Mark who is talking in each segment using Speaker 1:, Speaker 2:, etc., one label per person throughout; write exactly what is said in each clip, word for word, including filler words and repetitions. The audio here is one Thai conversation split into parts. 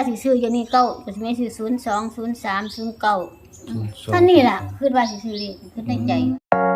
Speaker 1: สิซื้ออย่างนี้เก้าก็สิแม่ซื้อศูนย์สองศูนย์สามศูนย์เก้าท่านนี่ล่ะคือว่าสิซื้อเลขคือในใจ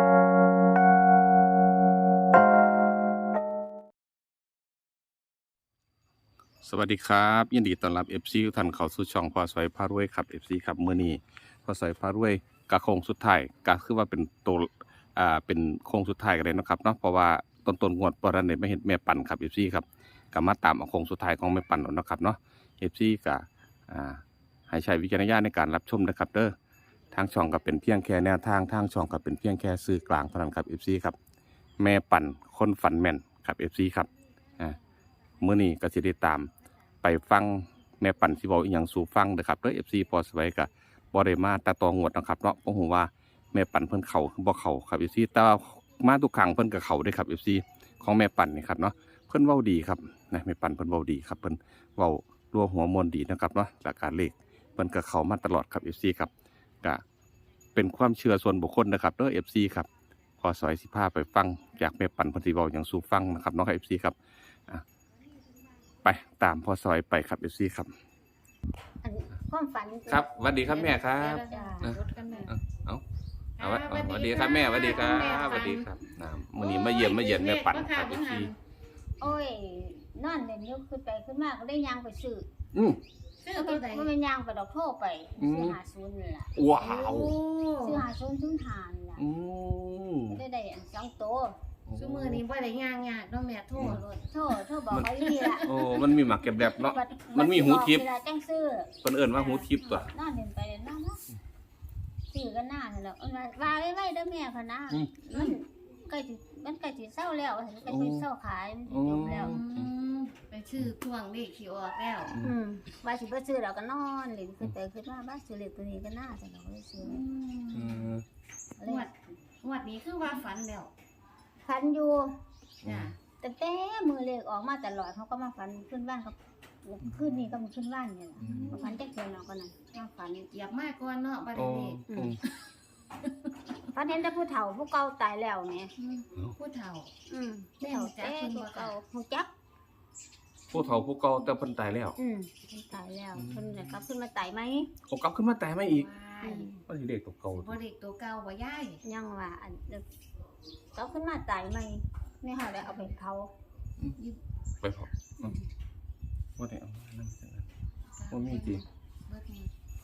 Speaker 2: สวัสดีครับยินดีต้อนรับ เอฟ ซี ทุกท่านเข้าสู่ช่องพอสวยพารวยครับ เอฟ ซี ครับมื้อนี้พอสวยพารวยกะโค้งสุดท้ายก็คือว่าเป็นตัวอ่าเป็นโค้งสุดท้ายกันเลยเนาะครับเนาะเพราะว่าต้นต้นงวดบ่ทันได้มาเห็นแม่ปั่นครับ เอฟ ซี ครับก็มาตามเอาโค้งสุดท้ายของแม่ปั่นแล้วเนาะครับเนาะ เอฟ ซี ก็อ่าให้ใช้วิจารณญาณในการรับชมนะครับเด้อทางช่องก็เป็นเพียงแค่แนวทางทางช่องก็เป็นเพียงแค่สื่อกลางเท่านั้นครับ เอฟ ซี ครับแม่ปั่นคนฝันแม่นครับ เอฟ ซี ครับอ่ามื้อนี้ก็สิได้ตามไปฟังแม่ปั่นสิเว้าอีหยังสู่ฟังเด้อครับเด้อ เอฟ ซี พอสไว้ก็บ่ได้มาแต่ตองวดนะครับเนาะบ่ฮู้ว่าแม่ปั่นเพิ่นเข้าบ่เข้าครับ เอฟ ซี แต่ว่ามาทุกครั้งเพิ่นก็เข้าเด้อครับ เอฟ ซี ของแม่ปั่นนี่ครับเนาะเพิ่นเว้าดีครับนะแม่ปั่นเพิ่นเว้าดีครับเพิ่นเว้ารัวหัวมวลดีนะครับเนาะหลักการเลขเพิ่นก็เข้ามาตลอดครับ เอฟ ซี ครับก็เป็นความเชื่อส่วนบุคคลนะครับเด้อ เอฟ ซี ครับพอสอยสิพาไปฟังจากแม่ปั่นเพิ่นสิเว้าหยังสู่ฟังนะครับเนาะครับ เอฟ ซี ครับไปตามพ่อซอยไปครับ เอฟ ซี ครับ
Speaker 1: อันความฝัน
Speaker 2: ครับสวัสดีครับแม่ครับ
Speaker 1: จ้า
Speaker 2: เอาเอาเอาสวัสดีครับแม่สวัสดีครับสวัสดีครับน้ำมื้อนี้มาเยี่ยมมาเยี่ยมแม่ปั่นครับ เอฟ ซี
Speaker 1: โอ้ยนอนเล่นอยู่ขึ้นไปขึ้นมาก็ได้ย่างไปซื้อ
Speaker 2: อืม
Speaker 1: ซื้อตัวใดมันเป็นย่างไปดอกโทไปซื้อห้าสิบนี่ล่ะ
Speaker 2: ว้าว
Speaker 1: ซื้อห้าสิบซื้อทานล่ะ
Speaker 2: อืม
Speaker 1: ได้ได้อันสองโต
Speaker 3: ซุมื้อนี้บ่ได้ย่างยากเนาะแม่โทรโลด
Speaker 1: โทโทบอกเขาอีล่ะ
Speaker 2: โอ้มันมีหมักเก็บแบบเนาะมันมีหูทิพย์
Speaker 1: เวลาจังซื้อ
Speaker 2: เพิ่นเอิ้นว่าหูทิพย์ตัวน
Speaker 1: อนเล่นไปเล่นมาเนาะซื้อกันหน้านั่นแหละว่าว่าไว้ๆเด้อแม่ค่ะนะมันใกล้สิมันใกล้สิเซาแล้วใกล้สิเซาขายมันจบแล้ว
Speaker 3: อืมไปซื้อช่วงเลขสิออกแล้ว
Speaker 1: อืมว่าสิบ่ซื้อแล้วก็นอนเล่นขึ้นไปขึ้นมาบ้านซื้อเลขตัวนี้ก็น่าจะเราได้ซื้อ
Speaker 3: อืมงวดงวดนี้คือว่าฝันแล้ว
Speaker 1: ฝันอยู่
Speaker 3: จ้ะ
Speaker 1: แต่แต่มือเลขออกมาตลอดเขาก็มาฝันขึ้นบ้านเขาขึ้นนี่ก็มันขึ้นบ้านนี่แหละมาฝันจักเทื่อเนาะก็นั่นมาฝัน
Speaker 3: เหยียบมาก่อนเนาะบัดนี้
Speaker 1: อืมฝันเห็นแต่ผู้เฒ่าผู้เก่าตายแล้วแหม
Speaker 3: ผู้เฒ่า
Speaker 1: อืม
Speaker 3: แม่รู้จักเพิ่นบ่คะ
Speaker 1: เก่าฮู้จัก
Speaker 2: ผู้เฒ่าผู้เก่าแต่เพิ่นตายแล้ว
Speaker 1: อืมเพิ่นตายแล้วเพิ่นน่ะกลับขึ้นมาตายไหม
Speaker 2: เขากลับขึ้นมาตายมาอีก
Speaker 3: ว้าย
Speaker 2: ว่าสิเด็กตัวเก่า
Speaker 3: บ่เด็กตัวเก่าบ่ยาย
Speaker 1: ยังว่าอันเด็กกลับขึ้นมาตายไหมนี่ค่ะได้เอาไปเผา
Speaker 2: ไปพอบ่ได้เอามานั่งจังนั้นบ่มีจริง
Speaker 3: บ่มี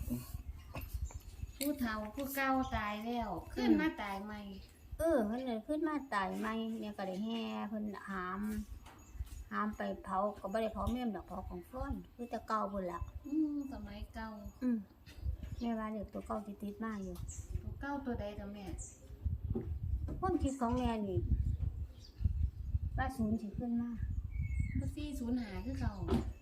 Speaker 3: ผู้เฒ่าผู้เก่าตายแล้วขึ้นมาตายใหม่
Speaker 1: เออเพิ่นเลยขึ้นมาตายไหมเนี่ยก็ได้แห่เพิ่นหามหามไปเผาก็บ่ได้เผาแม่นดอกเผาของฟ้อนคือแต่เก่าพุ่นล่ะ
Speaker 3: อืมสมัยเก่า
Speaker 1: อืมแม่ว่าเด็กตัวเก่าสิติดมาอยู่
Speaker 3: ตัวเก่าตัวใดตัวแม่
Speaker 1: ความคิดของแม่นี่ว่าศูนย์สิขึ้นมา
Speaker 3: บ่สี่ศูนย์ห้าคือเก่า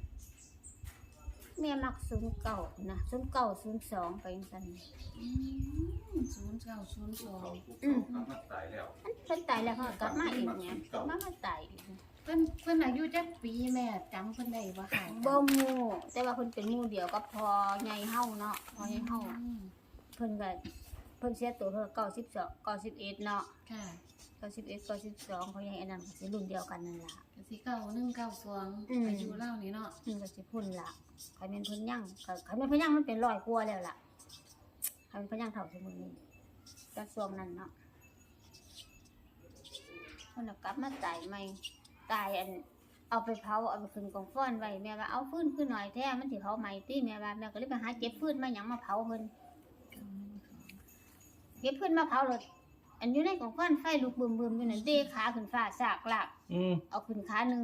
Speaker 1: แม่มักศูนย์เก่านะศูนย์เก่าศูนย์สองไปจังซั่น
Speaker 3: อืมศูนย์เก้าศูนย์สอง
Speaker 1: อืม
Speaker 2: กลับมาตายแล้ว
Speaker 1: มันเพิ่นตายแล้วเขาก็กลับมาอีกเนี่ยมามาตายอีก
Speaker 3: เพิ่นเพิ่นอายุจักปีแม่จำเพิ่นได้บ่ค่ะ
Speaker 1: บ่หมู่แต่ว่าเพิ่นเป็นหมู่เดียวกับพ่อใหญ่เฮาเนาะพ่อใหญ่เฮา
Speaker 3: อืม
Speaker 1: เพิ่นก็เพิ่นเสียตัวเพิ่นเก้าสิบสอง เก้าสิบเอ็ดเนาะ
Speaker 3: ค่ะ
Speaker 1: เก้าสิบเอ็ด เก้าสิบสองเขาใหญ่อันนั้นก็สิรุ่นเดียวกันนั่นล่ะ
Speaker 3: ก็สิเก้าหนึ่งเก้าสอง
Speaker 1: อืม
Speaker 3: อายุเล่านี่เนาะ
Speaker 1: เพิ่นก็สิพุ่นล่ะใครแม่นเพิ่นยังก็ใครแม่นเพิ่นยังมันเป็นร้อยกว่าแล้วล่ะใครแม่นเพิ่นยังเท่าสมุนนี้แต่ช่วงนั้นเนาะเพิ่นก็กลับมาตายใหม่ตายอันเอาไปเผาเอาไปขึ้นกองฟ้อนไว้แม่ว่าเอาฟืนขึ้นหน่อยแท้มันสิเผาใหม่ติแม่ว่าแม่ก็เลยไปหาเก็บฟืนมาหยังมาเผาเพิ่นเก็บฟืนมาเผาเลยอันอยู่ในกองฟ้อนไฟลุกบึมๆอยู่นั่นเด้ขาขึ้นฟ้าซากลาก
Speaker 2: อืม
Speaker 1: เอาขึ้นขาหนึ่ง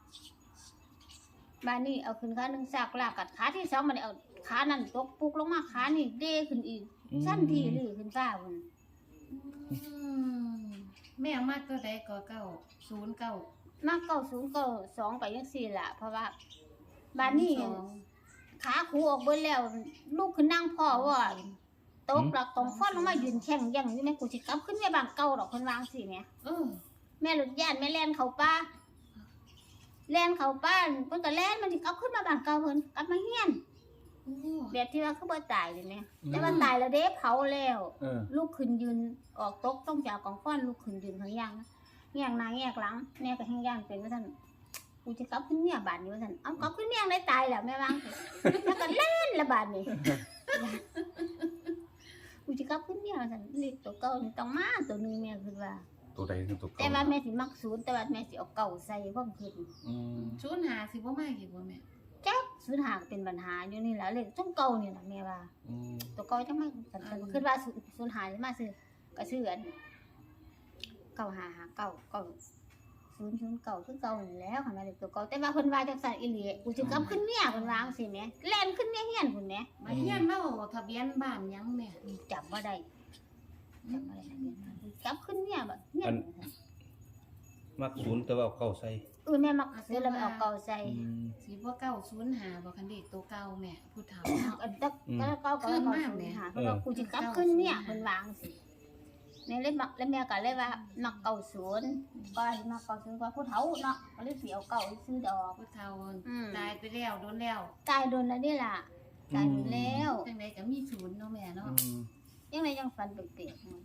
Speaker 1: บ้านนี้เอาขึ้นขาหนึ่งซากลากกัดขาที่สองมันเอาขานั่นตกปุกลงมาขานี่เด้ขึ้นอีกสั้นทีหรือขึ้นฟ้าพุ่น
Speaker 3: อืมแม่มากตัวใดก็เก้าศูนย์เก้า
Speaker 1: มาเก้าศูนย์เก้าสองไปยังสี่ละเพราะว่าบ้านนี้
Speaker 3: สอง
Speaker 1: ขาคูออกเบิ้แล้วลูกขึ้นนั่งพ่อว่าตกหลักตรงฟ้อนลงมายืนแข่งยังอยู่แม่กูสิกลับขึ้นแม่บางเก่าดอกคนวางสิแม่
Speaker 3: เออ
Speaker 1: แม่หลุดย่านแม่แล่นเขาป้าแล่นเขาป้าเพิ่นก็แล่นมันสิกลับขึ้นมาบางเก่าเพิ่นกลับมาเฮียน
Speaker 3: โอ้
Speaker 1: แบบที่ว่าเขาบ่ตายเลยเนี่ยแต่ว่าตายแล้วเด้เผาแล้ว
Speaker 2: เออ
Speaker 1: ลูกขึ้นยืนออกตกต้องจากกองฟ้อนลูกขึ้นยืนข้างย่างนะแงกหน้าแงกหลังแม่ก็แห้งย่างเป็นว่าท่านกูจะกลับขึ้นเมียบาดนี้ว่าซั่นเอากลับขึ้นเมียงได้ตายแล้วแม่วางแล้วก็เล่นละบาดนี้กูจะกลับขึ้นเมียว่าซั่นเลขตัวเก่านี่ต้องมาตัวหนึงแม่คิดว่า
Speaker 2: ตัวใดคือตัว
Speaker 1: แต่
Speaker 2: เก่า
Speaker 1: ว่าแม่สิมักศูนย์แต่ว่าแม่สิเอาเก่าใส่ความคิด
Speaker 2: อืม
Speaker 3: ศูนย์หาสิบ่มาอีกบ่แม่
Speaker 1: จักศูนย์หาเป็นปัญหาอยู่นี่แหละเลขต้องเก่านี่ล่ะแม่ว่า
Speaker 2: อืม
Speaker 1: ตัวเก่าจังมาสันสันคิดว่าศูนย์ศูนย์หาสิมาซื้อก็ซื้ออันเก่าหาหาเก่าเก่าศูนย์ศูนย์เก่าคือเก่านี่แหล้วค่ะแม่เลขตัวเก่าแต่ว่าเพิ่นว่าจังซั่นอีหลีกูสิกลับขึ้นเมียเพิ่นว่าจังซี่แหมแล่นขึ้นเมียเฮียนพุ่นแหม
Speaker 3: มาเฮียนเล่าทะเบียนบ้านหยังแม่
Speaker 1: จำบ่ได้จำบ่ได้ทะเบียนบ้านกลับขึ้นเมียแบบเฮียน
Speaker 4: มักศูนย์แต่ว่าเอาเก้าใส่
Speaker 1: เออแม่มักซื้อแล้วไปเอาเก่าใส่
Speaker 4: อืม
Speaker 3: สิบ่เก้าศูนย์หาบ่คันเด็กตัวเก่าแม่ผู้เฒ่า
Speaker 1: อันตักก็เก่าก็
Speaker 3: ขึ้น
Speaker 1: เก่า
Speaker 3: มา
Speaker 1: ศู
Speaker 3: แหม
Speaker 1: นย์หาเพราะว่ากูสิกลับขึ้นเมียเพิ่นวาจังซี่แม่เลยมักแล้วแม่ก็เลยว่ามักเก่าศูนย์ก็สิมักเก่าศูนย์กว่าผู้เฒ่าเนาะก็เลยสิเอาเก่าซื้อดอก
Speaker 3: ผู้เฒ่า
Speaker 1: อืม
Speaker 3: ตายไปแล้วโดนแล้ว
Speaker 1: ตายโดนแล้วนี่ล่ะตายโดนแล้ว
Speaker 3: จังได๋ก็มีศูนย์เนาะแม่เนาะ
Speaker 4: อืม
Speaker 1: ยังไงยังฝันเปลกๆอยู่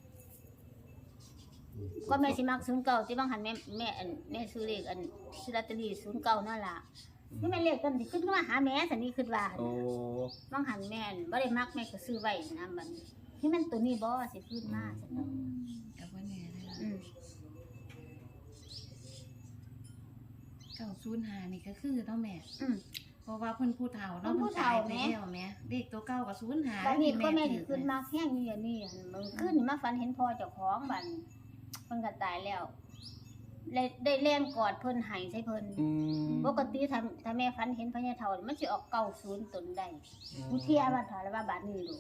Speaker 1: ก็แม่สิมักศูนย์เก่าที่บางหันแม่แม่อันแม่ซื้อเลขอันซื้อลอตเตอรี่ศูนย์เก่านั่นล่ะนี่แม่เลขกันสิขึ้นมาหาแม่สันนี่คิดว่า
Speaker 4: โอ้
Speaker 1: บางหันแม่นบ่ได้มักแม่ก็ซื้อไว้นะบัดนี้ที่มันตัวนี้บ่สิขึ้นมาซั่นเนาะ
Speaker 3: ก็บ่แน่เลย
Speaker 1: อืม
Speaker 3: เก้าศูนย์หานี่ก็คือเนาะแม่
Speaker 1: อืม
Speaker 3: เพราะว่าเพิ่นผู้เฒ่าเนาะ
Speaker 1: เพิ่นผู้เฒ่า
Speaker 3: พิ่นตยไป
Speaker 1: แม่
Speaker 3: แล้วแม่เด็กตัวเก่าก็ศูนย์หา
Speaker 1: บัดนี้
Speaker 3: ที่
Speaker 1: ก็แม่สิ
Speaker 3: ถือ
Speaker 1: ขึ้นมาแห้งอยู่อย่างนี้หั่นมื้อคืนนี่มาฝันเห็นพ่อเจ้าของบัดนี้เพิ่นก็ตายแล้วได้ได้แล่นกอดเพิ่นให้ใส่เพิ่น
Speaker 4: อืม
Speaker 1: ปกติถ้าถ้าแม่ฝันเห็นพญาเฒ่านี่มันสิออกเก้าศูนย์ตนใดกูเทียว่าเถาแล้วว่าบาดนี้ดู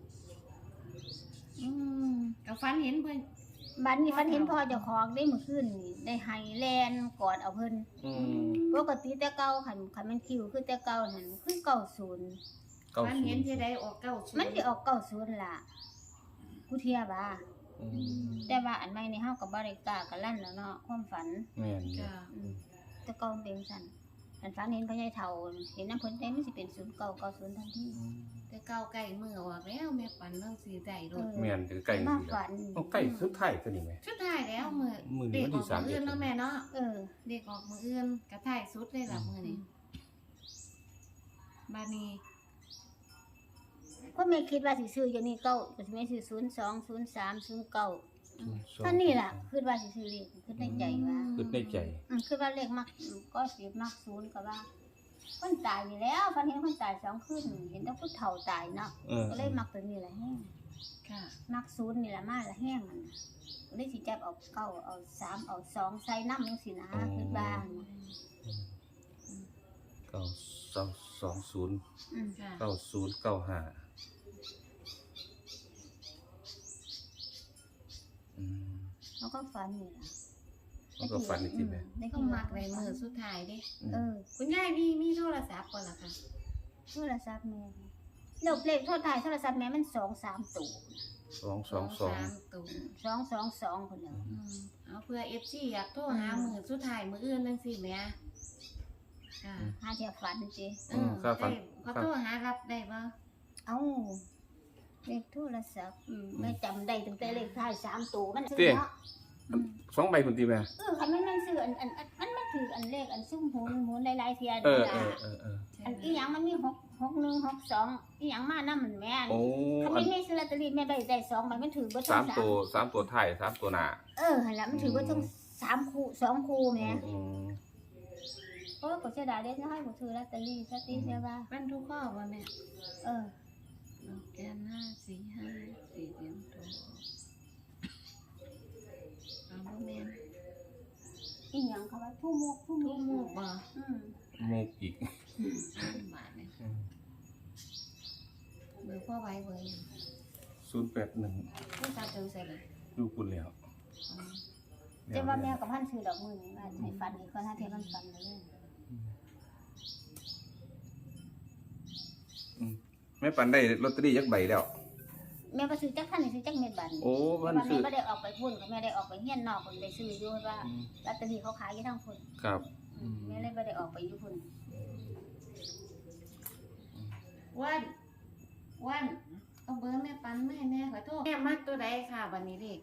Speaker 3: อืมก็ฝันเห็นเพิ่น
Speaker 1: บาดนี้ฝันเห็นพ่อเจ้าของได้มื้อคืนนี่ได้ให้แล่นกอดเอาเพิ่น
Speaker 4: อืม
Speaker 1: ปกติแต่เก่าคันคันมันคิวคือแต่เก่านั่นคือเก้าศูนย์
Speaker 4: เก้า
Speaker 3: ฝัน
Speaker 4: ศู
Speaker 3: เห็
Speaker 4: น
Speaker 3: น
Speaker 4: ย์
Speaker 3: ที่ใดออกเก้าศูนย์
Speaker 1: มันสิออกเก้าศูนย์ล่ะกูเทียว่า
Speaker 4: อืม
Speaker 1: แต่ว่าอันใหม่นี่เฮาก็บ่ได้กล้ากันลั่นแล้วเนาะความฝัน
Speaker 4: แม่นอยู่
Speaker 3: จ้ะ
Speaker 1: อืมแต่เก่ามันเป็นซั่นอันฝันเห็นพญาเฒ่าเห็นน้ำเพิ่นได้มันสิเป็นศูนย์เก้าเก้าศูนย์ทันที
Speaker 4: อืม
Speaker 3: แต่เก้าใกล้มือออกแล้วแม่ปันเรื่องสีใดโดด
Speaker 4: แม่นถือใกล้
Speaker 1: มา
Speaker 4: สิ
Speaker 1: ฝัน
Speaker 4: ต้องใกล้สุดท้ายตัวนี้แม่
Speaker 3: ชุดท้ายแล้วมือ
Speaker 4: มื้อนี้
Speaker 3: เด็ก
Speaker 4: วัน
Speaker 3: อ
Speaker 4: ที่
Speaker 3: อก
Speaker 4: สาม
Speaker 3: มือ
Speaker 4: เอ็ด
Speaker 3: อื่นเนาะแม่เนาะ
Speaker 1: เออ
Speaker 3: เด็กออกมืออื่นกระถ่ายสุดเลยล่ะมือนี้บานี้
Speaker 1: ก็ไม่คิดว่าสิซื้ออย่างนี้เก้าก็สิแม่ซื้อศูนย์สอง ศูนย์สาม ศูนย์เก้า
Speaker 4: ศูย์สอง
Speaker 1: เท่านี้ล่ะคิดว่าสิซื้อเลขคิดในใจว่า
Speaker 4: คิดในใจ
Speaker 1: อืมคือว่าเลขมักก็สิมักศูนย์ก็ว่าคนตายอยู่แล้วฟันเห็นคนตายสองคืนเห็นแต่ผู้เฒ่าตายเนาะ
Speaker 4: เออ
Speaker 1: ก็เลยมักตัวนี้แหละแห้ง
Speaker 3: ค่ะ
Speaker 1: มักศูนย์นี่แหละมาละแห้งมันน่ะก็เลยสิจับเอาเก้าเอาสามเอาสองใส่น้ำจังซี่นะคือบ้าน
Speaker 4: เก้าสองสองศูนย์
Speaker 1: อืม
Speaker 3: ค่ะ
Speaker 4: เก้าศูนย์เก้าห้าอืม
Speaker 1: แล้วก็ฝันนี่ล่ะ
Speaker 4: มันก็ฝันอีกทีแม่
Speaker 1: ได้
Speaker 3: ต้
Speaker 1: กิ
Speaker 3: อง
Speaker 1: น
Speaker 3: มักในมือสุดท้ายเด้
Speaker 1: เออ
Speaker 3: คุณยายมีมีโทรศัพท์ก่อนล่ะค่ะ
Speaker 1: โทรศัพท์แม่เลขเลขโทรถ่ายโทรศัพท์แม่มันสองสามตัว
Speaker 4: สองสองสอง
Speaker 3: สามตัว
Speaker 1: สองสองสองคนเดียว
Speaker 3: อืมเอาเพื่อ เอฟ ซี อยากโทรหามือสุดท้ายมืออื่นจังซี่แหม่ค่ะ
Speaker 1: หาเทียฝันจี
Speaker 3: เออได้เขาโทรหารับได้บ่
Speaker 1: เอ้าเลขโทรศัพท์อืมแม่จำได้ตั้งแต่เลขท้ายสามตัวมันซื้อเนาะ
Speaker 2: สองใบคุณตีแม่
Speaker 1: เออคันมันมันซื้ออันอันอันมันมันถืออันเลขอันซุ่มหูหมุนหลายๆเทีย
Speaker 2: เอ
Speaker 1: นี่
Speaker 2: อ
Speaker 1: ล่ะ
Speaker 2: เออเออเออ
Speaker 1: อันอีหยังมันมีหกหกหนึ่งหกสองอีหยังมานํมันแม่น
Speaker 2: โอ้
Speaker 1: คัน
Speaker 2: อั
Speaker 1: ไม่
Speaker 2: น
Speaker 1: มีซื้อลอตเตอรี่แม่ได้ได้สองใบมันถือเบ่ทั้
Speaker 2: สาง ม
Speaker 1: สาม
Speaker 2: ตัวสามตัวไทายสามตัวหน้า
Speaker 1: เออหั่นล่ะมันถือเบ่ทั้งสามคู่สองคู่แม่
Speaker 2: อืม
Speaker 1: โอ้ยก็เสียดายเด้จะให้บ่ซื้อลอตเตอรี่ซะติเสียว่า
Speaker 3: บ้านทุกข้อบ่แม่
Speaker 1: เออ
Speaker 3: ดอกแกนห้าสี่ห้าสี่เดียมตัวเอาบ่แม่น
Speaker 1: อีหยังเขาว่าทุ่มกทุ่ม
Speaker 3: ทุกหมูกบ่
Speaker 1: อืม
Speaker 2: มูกอีก
Speaker 3: บาทเนี่ย
Speaker 2: อืม
Speaker 3: เบอร์พ่อไว้เบอร์หยัง
Speaker 2: ศูนย์แปดหนึ่ง
Speaker 3: ผู้ตาเติมใส่เลย
Speaker 2: ดูคุณแล้ว
Speaker 3: อ๋อ
Speaker 1: แต่ว่าแม่กับพันซื้อดอกมือนี่ว่าให้ฟันอีกคนถ้าเทมันฟันเลย
Speaker 2: แม่ปันได้ลอตเตอรี่ยักใบแล้ว
Speaker 1: แม่ก็ซื้อจักพันนี่ซื้อจักเม็ดบัน
Speaker 2: โอ้
Speaker 1: แต่
Speaker 2: มัน
Speaker 1: ว่า
Speaker 2: ซื้
Speaker 1: แม่
Speaker 2: อ
Speaker 1: ก็ได้ออกไปพุ่นก็แม่ได้ออกไปเฮียนนอกคนได้ซื้ออยู่ว่า
Speaker 2: อืม
Speaker 1: ลอตเตอรี่เขาขายอยู่ทั้งพุ่น
Speaker 2: ครับ
Speaker 1: อืมแม่เลยบ่ได้ออกไปอยู่พุ่น
Speaker 3: วันวันเอาเบอร์แม่ปันแม่แน่ขอโทษแม่มักตัวใดค่ะวันนี้เด็ก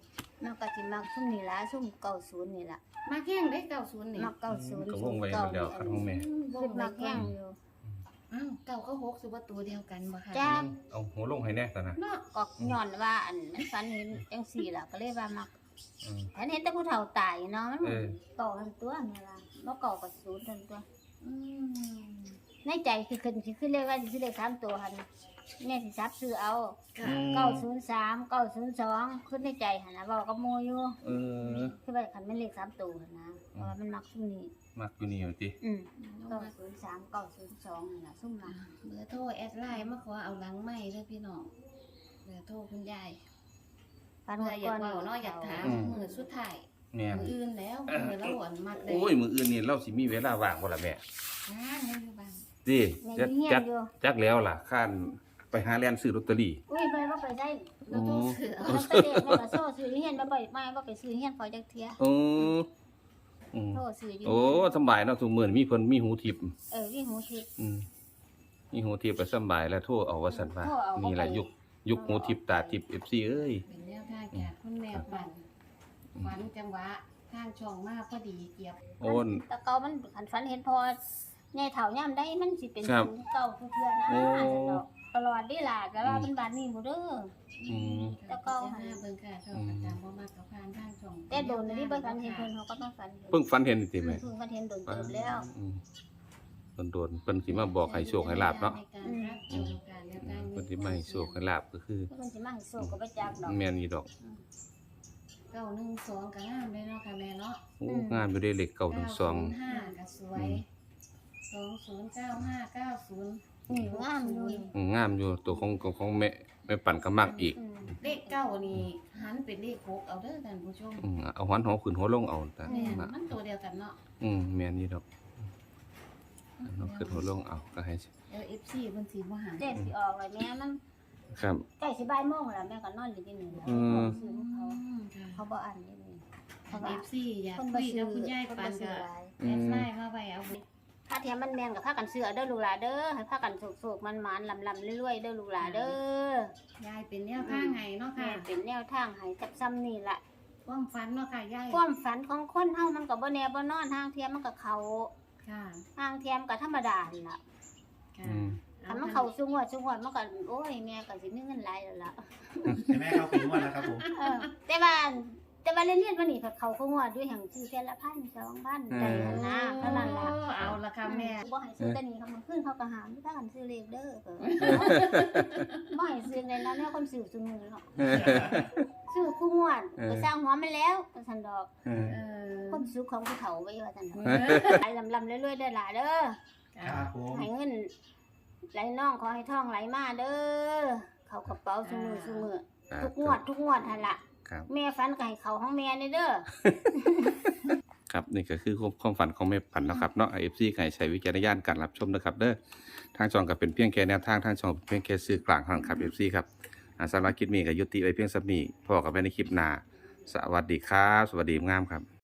Speaker 1: มันก็สิมักซุ่มนี่ล่ะซุ่มเก้าศูนย์นี่ล่ะ
Speaker 3: มาแข้งได้เก้าศูนย์นี่
Speaker 1: มักเก้าศูนย์
Speaker 4: ก็วงไว้หมดแล้วครับของแม่
Speaker 1: คือมักแห้งอยู่
Speaker 3: อ้าวเก้าก็หกสิบ่ตัวเดียวกันบ่ค่ะ
Speaker 1: จ้า
Speaker 4: เอาหัวลงให้แน่ตอนนะ
Speaker 3: เนาะ
Speaker 1: ก็ย้อนว่าอันมันฝันเห็นจังซี่ล่ะก็เลยว่ามัก
Speaker 4: อืม
Speaker 1: ฝันเห็นแต่ผู้เฒ่าตายเนาะมัน
Speaker 4: เออ
Speaker 1: เก่าทันตัวนี่ล่ะบ่เก่าก็ศูนย์ทันตัว
Speaker 3: อืม
Speaker 1: ในใจคือขึ้นสิขึ้นเลขว่าสิซื้อเลขสามตัวหั่นแม่สิซับซื้อเอา
Speaker 3: ค่ะ
Speaker 1: เก้าศูนย์สาม เก้าศูนย์สองขึ้นในใจหั่นน่ะเว้ากับหมู่อยู่
Speaker 4: เออ
Speaker 1: คือว่าคันแม่นเลขสามตัวหั่นนะเพราะว่ามันมักซุ่มนี้
Speaker 4: มักอยู่นี่อยู่ติ
Speaker 1: อืม
Speaker 3: ลง
Speaker 1: เก้า
Speaker 3: มา
Speaker 1: ศูนย์สาม เก้าศูนย์สองนั่นน่ะซุ่มมัก
Speaker 3: เบอร์โทรแอดไลน์มาขอเอาหลังไม้เด้อพี่น้องเบอร์โทรคุณยาย
Speaker 1: ฝัน
Speaker 3: เพื่อ
Speaker 1: ว่า
Speaker 3: อยา
Speaker 1: ก่
Speaker 3: ก
Speaker 1: อน
Speaker 3: เว้าเนาะอยากถามมื้อสุดท้าย
Speaker 4: แม่น
Speaker 3: มื้ออื่นแล้วมื้อละหวนมักได้
Speaker 4: โอ้ยมื้ออื่นนี่เราสิมีเวลาว่างบ่ล่ะแม่
Speaker 3: อ่าให้อยู่บ้าน
Speaker 4: ติ
Speaker 1: แม่
Speaker 4: จัก
Speaker 1: อยู่เฮีย
Speaker 4: จั
Speaker 1: น
Speaker 4: ก
Speaker 1: อยู่
Speaker 4: จักแล้วล่ะข้านไปหาแล่นซื้อลอตเตอรี่
Speaker 1: อุ้ยไปบ่ไปได้
Speaker 3: แล้วโทรซื้อเอา
Speaker 1: มันไปเด็กแม่ก็โซ่ซื้อเฮียนบ่ไปไม่บ่ไปซื้อเฮียนพอจักเที่ย
Speaker 4: โอ้อืม
Speaker 1: โซ่ซื้ออยู่
Speaker 4: โอ้สำบายเนาะทุกมื้อนี้มีเพิ่นมีหูทิพย์
Speaker 1: เออวิ่งหูทิพย์
Speaker 4: อืมมีหูทิพย์ก็สำบายแล้วโทรเอาว่าซั่นว่า
Speaker 1: โทรเอาบ่
Speaker 4: นี่แหละ
Speaker 1: ไป
Speaker 4: ยุคยุคหูทิพย์ตาทิพย์ เอฟ ซี เอ้ย
Speaker 3: เป็นแนวทางจากคุณแม่ฝันฝันจังหวะทางช่องมาพอดีเกียบ
Speaker 4: โอ้น
Speaker 1: แต่เก่ามันขันฝันเห็นพอใหญ่เฒ่ายามได้มันสิเป็น
Speaker 4: ครับ
Speaker 1: ศูนย์เก่าทุกเทื่อนะ
Speaker 4: โอ้
Speaker 1: ซั่นดอกตลอดเด้ล่ะแต่ว่าเป็นบ้านนี้บ่เด้อ
Speaker 4: อืม
Speaker 3: แล้วก็หาเบิ่งค่ะช่องประจำบ่มากกับผ่านทางช่อง
Speaker 1: แต่โดนนี่บ่ฝันเห็นเพิ่นเขาก็ต้องฝันเห็น
Speaker 2: เพิ่งฝันเห็นนี่ติแม่
Speaker 1: เพิ่งฝันเห็นโดนเติบแล้ว
Speaker 2: อืมโดนๆเพิ่นสิมาบอกให้โชคให้ลาบเนาะ
Speaker 3: ในการรับชมการเลือกตั้ง
Speaker 2: เพิ่นสิมาให้โชคให้ลาบก็คือ
Speaker 1: เพิ่นสิมาให้โชคก็บ่จักดอก
Speaker 2: แม่นอีดอก
Speaker 3: เก้าหนึ่งสองก็งามเลยเนาะค่ะแม่เนาะ
Speaker 2: โอ้งามอยู่เด้เลขเก้าถึงสอง
Speaker 3: ห้าก็สวยสองศูนย์เก้าห้าเก้าศูนย์
Speaker 1: นี่งามอยู่
Speaker 2: อืมงามอยู่ตัวของของของแม่แม่ปั่นก็มักอีก
Speaker 1: อืม
Speaker 3: เลขเก้านี่หันเป็นเลขหกเอาเด้อท่านผู้ชม
Speaker 2: อืมเอาหันหัวขึ้นหัวลงเอาแต่
Speaker 3: แม่น
Speaker 2: มา
Speaker 3: มันตัวเดียวกันเนาะ
Speaker 2: อืมแม่นอีดอกเอาขึ้นหัวลงเอาก็ให้
Speaker 3: เออ เอฟ ซี เพิ่นสิบ่หา
Speaker 1: เด็กสิออกเลยแม่มัน
Speaker 2: ครับ
Speaker 1: ใกล้สิบ่ายโมงแล้วแม่ก็นอนอยู่ที่นี่แล้ว
Speaker 2: อืม
Speaker 1: ซื้อของเขา
Speaker 3: ค่ะ
Speaker 1: เขาบ่อ่านนี่นี่เพราะ
Speaker 3: เอ
Speaker 1: ว่า
Speaker 3: ฟซี อยาก
Speaker 1: คน
Speaker 3: คุ
Speaker 1: บ่
Speaker 3: ย
Speaker 1: ซื้
Speaker 3: กั
Speaker 1: อบ
Speaker 3: คุณยาย
Speaker 1: คน
Speaker 3: ปั
Speaker 1: บ่
Speaker 3: น
Speaker 1: ซื้
Speaker 3: ก็
Speaker 1: อหลาย
Speaker 3: แอดไลน์มาไว้เอา
Speaker 1: ถ้าเทียมมันแม่นกับพากันเสือเด้อลูกหลาเด้อให้พากันสุกๆมันๆลำๆรวยๆเด้อลูกหลาเด้อย
Speaker 3: ายเป็นแนวทางไงเนาะ
Speaker 1: แม่
Speaker 3: ค่ะ
Speaker 1: เป็นแนวทางให้จับซ้ำนี่ล่ะ
Speaker 3: ความฝันเนาะค่ะยาย
Speaker 1: ความฝันของคนเฮามันก็บ่แน่บ่นอนทางเทียมมันก็เขา
Speaker 3: ค่ะ
Speaker 1: ทางเทียมก็ธรรมดาหั่นล่ะ
Speaker 3: ค่ะ
Speaker 2: อืม
Speaker 1: ถ้ามันเข้าสูงวดสูงวดมันก็โอ้ยแม่ก็สิมีเงินหลายแล้วล่ะ
Speaker 5: ใช่ไหมเขาเป็นงวดแล้วครับผม
Speaker 1: เออแต่ว่าแต่ว่าเรียนๆวันนี้เขาเขางวดด้วยแห่งชื่อเท่าละพันสองพันใจหั่นนะเท่านั้นล่ะ
Speaker 3: โอ้เอาละค่ะแม่
Speaker 1: บ่ให้ซื้อแต่นี้เขามันขึ้นเขาก็หามถ้ากันซื้อเลขเด้อเออบ่ให้ซื้อในนั้นแม่คนซื้อซุมื้อเนาะซื้อคู่งวดก็สร้างหัวมันแล้วว่าซั่นดอก
Speaker 2: เออ
Speaker 3: เออ
Speaker 1: ความสุขของผู้เฒ่าไว้ว่าซั่นดอก
Speaker 3: เออ
Speaker 1: ไหลลำๆเรื่อยๆเด้อล่ะเด้อ
Speaker 5: ครับผม
Speaker 1: ให้เงินไหลน่องขอให้ทองไหลมาเด้อเข้ากระเป๋าซุมื้อซุมื้อทุกงวดทุกงวดหั่นล่ะ
Speaker 2: ครับ
Speaker 1: แม่ฝันก็ให้เขาของแม่นี่เด้อ
Speaker 2: ครับนี่ก็คือความฝันของแม่ปั่นเนาะครับเนาะ เอฟ ซี ให้ใช้วิจารณญาณการรับชมนะครับเด้อทางช่องก็เป็นเพียงแค่แนวทางทางช่องเป็นเพียงแค่สื่อกลางเท่านั้นครับ เอฟ ซี ครับอ่าสำหรับคลิปนี้ก็ยุติไว้เพียงสักนี้พอกันไว้ในคลิปหน้าสวัสดีครับ สวัสดีงามครับ